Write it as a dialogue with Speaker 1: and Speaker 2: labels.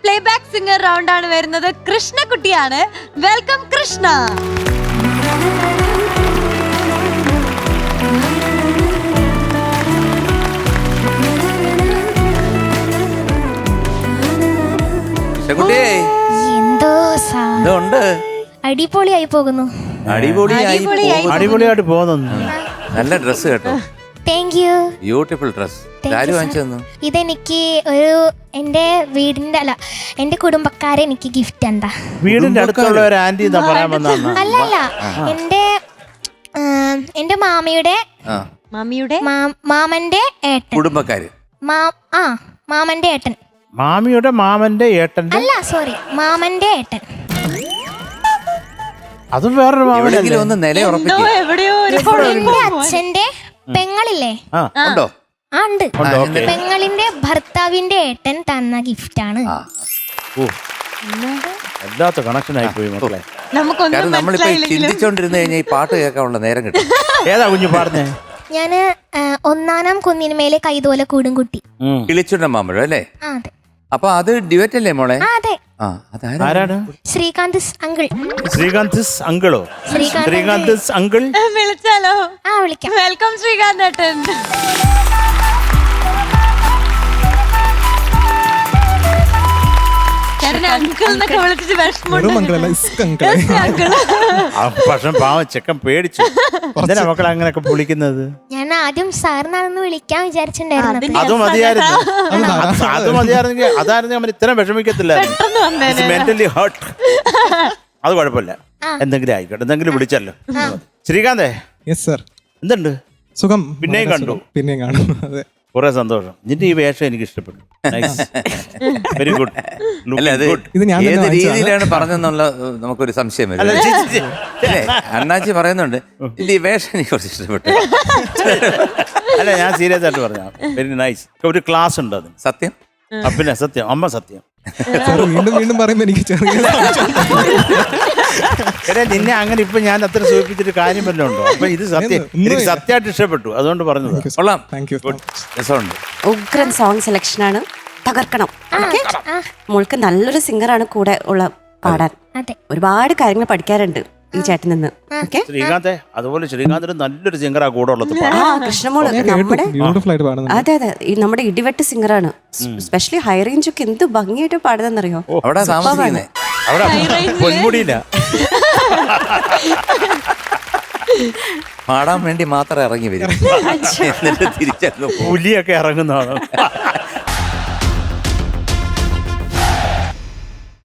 Speaker 1: Playback singer round ആണ് വരുന്നത്. കൃഷ്ണകുട്ടിയാണ്. വെൽക്കം കൃഷ്ണ.
Speaker 2: എന്തോ അടിപൊളിയായി പോകുന്നു.
Speaker 3: അടിപൊളിയായിട്ട് പോകുന്നു.
Speaker 2: നല്ല ഡ്രസ് കേട്ടോ.
Speaker 4: Thank you.
Speaker 2: Beautiful dress. ആര് വാങ്ങിച്ചു തന്നു?
Speaker 4: ഇതെനിക്ക് എന്റെ വീടിന്റെ എന്റെ കുടുംബക്കാരെ എനിക്ക് ഗിഫ്റ്റ് എന്താ.
Speaker 3: വീടിന്റെ അടുത്തുള്ള ഒരു ആന്റി പറയാൻ വന്നാണ്.
Speaker 4: അല്ല എന്റെ മാമയുടെ മാമന്റെ ഏട്ടൻ.
Speaker 2: കുടുംബക്കാര്.
Speaker 4: മാമന്റെ ഏട്ടൻ.
Speaker 3: മാമിയുടെ മാമന്റെ ഏട്ടൻ.
Speaker 4: അല്ല സോറി, മാമന്റെ ഏട്ടൻ.
Speaker 3: അതും വേറൊരു മാമനല്ലേ?
Speaker 2: ഒന്ന് നില ഉറപ്പിക്കും.
Speaker 4: എന്റെ അച്ഛന്റെ പെങ്ങളില്ലേ?
Speaker 2: ഉണ്ടോ?
Speaker 4: ഉണ്ട്. പെങ്ങളിന്റെ ഭർത്താവിന്റെ ഏട്ടൻ തന്ന ഗിഫ്റ്റാണ്.
Speaker 3: വല്ലാത്ത കണക്ഷൻ ആയി പോയി മക്കളെ.
Speaker 2: കാരണം നമ്മളിപ്പോ ചിന്തിച്ചോണ്ടിരുന്ന് കഴിഞ്ഞാൽ ഈ പാട്ട് കേൾക്കാനുള്ള നേരം കിട്ടും.
Speaker 3: ഏതാ കുഞ്ഞു പാടുന്നേ?
Speaker 4: ഞാന് ഒന്നാനാം കുന്നിനുമേലെ കൈതോല കൂടും കുട്ടി.
Speaker 2: കിളിച്ചുണ്ട മാമ്പഴം അല്ലേ?
Speaker 4: അതെ.
Speaker 2: അപ്പൊ അത് ഡ്യുവറ്റ് അല്ലേ മോളെ?
Speaker 4: അതെ.
Speaker 3: ആരാണ്?
Speaker 4: ശ്രീകാന്ത് അങ്കിൾ.
Speaker 3: ശ്രീകാന്ത് അങ്കിളോ? ശ്രീകാന്ത് അങ്കിൾ
Speaker 1: വിളിച്ചാലോ?
Speaker 4: വിളിക്കാം.
Speaker 1: വെൽക്കം ശ്രീകാന്ത് ഏട്ടൻ.
Speaker 3: പക്ഷെ പാവം ചെക്കൻ പേടിച്ചു. എന്തിനാ മക്കളെ അങ്ങനെയൊക്കെ പൊളിക്കുന്നത്?
Speaker 4: ഞാൻ ആദ്യം സാറിനാണെന്ന് വിളിക്കാൻ വിചാരിച്ചിട്ടുണ്ടായിരുന്നു.
Speaker 3: അത് മതിയായിരുന്നെങ്കിൽ അതായിരുന്നു അവൻ ഇത്രയും വിഷമിക്കത്തില്ലായിരുന്നു. Mentally heart. അത് കുഴപ്പമില്ല, എന്തെങ്കിലും ആയിക്കോട്ടെ, എന്തെങ്കിലും വിളിച്ചല്ലോ. ശ്രീകാന്തേ, എന്തുണ്ട്?
Speaker 5: സുഖം.
Speaker 3: പിന്നെയും കണ്ടു.
Speaker 5: പിന്നെയും കാണും. അതെ,
Speaker 3: കുറെ സന്തോഷം. നിന്റെ ഈ വേഷം എനിക്ക് ഇഷ്ടപ്പെട്ടു. Very good.
Speaker 2: ഏത് രീതിയിലാണ് പറഞ്ഞെന്നുള്ള നമുക്കൊരു സംശയം വരും. അണ്ണാച്ചി പറയുന്നുണ്ട് ഈ വേഷം എനിക്ക് കുറച്ച് ഇഷ്ടപ്പെട്ടു.
Speaker 3: അല്ല, ഞാൻ സീരിയസ് ആയിട്ട് പറഞ്ഞ വെരി നൈസ്. ഒരു ക്ലാസ് ഉണ്ട് അതിന്.
Speaker 2: സത്യം.
Speaker 3: പിന്നെ സത്യം, അമ്മ സത്യം.
Speaker 5: വീണ്ടും വീണ്ടും പറയുമ്പോ എനിക്ക്
Speaker 3: നിന്നെ അങ്ങനെ ഇപ്പൊ ഞാൻ അത്ര സൂചിപ്പിച്ചിട്ട് കാര്യം വല്ലതും ഉണ്ടോ? അപ്പൊ ഇത് സത്യം, എനിക്ക് സത്യമായിട്ട് ഇഷ്ടപ്പെട്ടു, അതുകൊണ്ട് പറഞ്ഞത്.
Speaker 2: കൊള്ളാം.
Speaker 3: രസമുണ്ട്.
Speaker 6: ഉഗ്രൻ സോങ് സെലക്ഷനാണ്. തകർക്കണം. മോൾക്ക് നല്ലൊരു സിംഗറാണ് കൂടെ ഉള്ള പാടാൻ. ഒരുപാട് കാര്യങ്ങൾ പഠിക്കാറുണ്ട് ഈ ചേട്ടൻ നിന്ന്.
Speaker 3: ശ്രീകാന്തെ, അതുപോലെ ശ്രീകാന്തിന് നല്ലൊരു സിംഗറാ കൂടെ ഉള്ളത്.
Speaker 6: കൃഷ്ണമോള് നമ്മുടെ അതെ അതെ നമ്മുടെ ഇടിവെട്ട് സിംഗറാണ്. സ്പെഷ്യലി ഹൈ റേഞ്ച് ഒക്കെ എന്ത് ഭംഗിയായിട്ട് പാടുന്നറിയോ?
Speaker 3: അവിടെ പൊന്മുടിയില്ല
Speaker 2: പാടാൻ വേണ്ടി മാത്രം ഇറങ്ങി വരും, എന്നിട്ട് തിരിച്ചങ്ങ്
Speaker 3: പുലിയൊക്കെ ഇറങ്ങുന്നതാണ്.